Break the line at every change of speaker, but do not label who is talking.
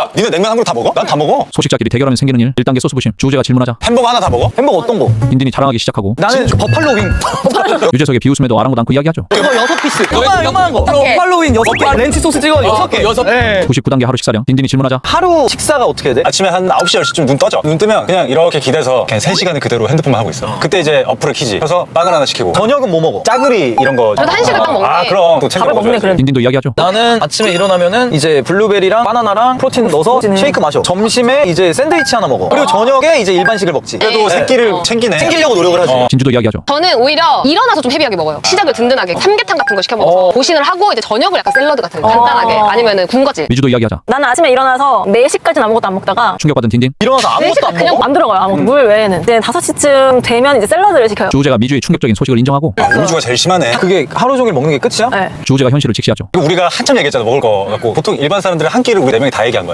야 니네 냉면 한 그릇 다 먹어? 난 다 먹어.
소식자끼리 대결하면 생기는 일. 1단계 소스 부심. 주호재가 질문하자.
햄버거 하나 다 먹어?
햄버거 어떤 거?
딘딘이 자랑하기 시작하고
나는 버팔로 윙.
유재석의 비웃음에도 아랑곳 않고 이야기하죠.
그거 6피스. 요만한 거.
개.
버팔로 윙 6개. 렌치 소스 찍어 6개.
6개.
네.
99단계 하루 식사량. 딘딘이 질문하자.
하루 식사가 어떻게 해야 돼?
아침에 한 9시 10시쯤 눈 떠져. 눈 뜨면 그냥 이렇게 기대서 그냥 3시간을 그대로 핸드폰만 하고 있어. 그때 이제 어플을 키지. 그래서 빵을 하나 시키고
저녁은 뭐 먹어?
짜글이 이런 거.
저도 한식을 딱 먹는데.
아 그럼 또 챙겨
밥을 먹네,
먹어야지.
그래도.
딘딘도 이야기하죠.
나는 아침에 일어나면은 이제 블루베리랑 바나나랑 프로틴 넣어서 쉐이크 마셔. 점심에 이제 샌드위치 하나 먹어. 그리고 저녁에 이제 일반식을 먹지.
그래도 새끼를 챙기네.
챙기려고 노력을 하지.
진주도 이야기하죠.
저는 오히려 일어나서 좀 헤비하게 먹어요. 시작을 든든하게 삼계탕 같은 거 시켜 먹어서 보신을 하고 이제 저녁을 약간 샐러드 같은 거 간단하게 아니면은 군것질.
미주도 이야기하자.
나는 아침에 일어나서 4시까지는 아무것도 안 먹다가
충격받은 딘딘.
일어나서 아무것도 안
그냥
먹어.
안 들어가요. 아무것도. 물 외에는. 이제 5시쯤 되면 이제 샐러드를 시켜요.
주호재가 미주의 충격적인 소식을 인정하고
음주가 제일 심하네.
그게 하루 종일 먹는 게 끝이야?
네.
주호재가 현실을 직시하죠.
우리가 한참 얘기했잖아 먹을 거 갖고 보통 일반 사람들은 한 끼를 우리 4명이 다 얘기한 거야.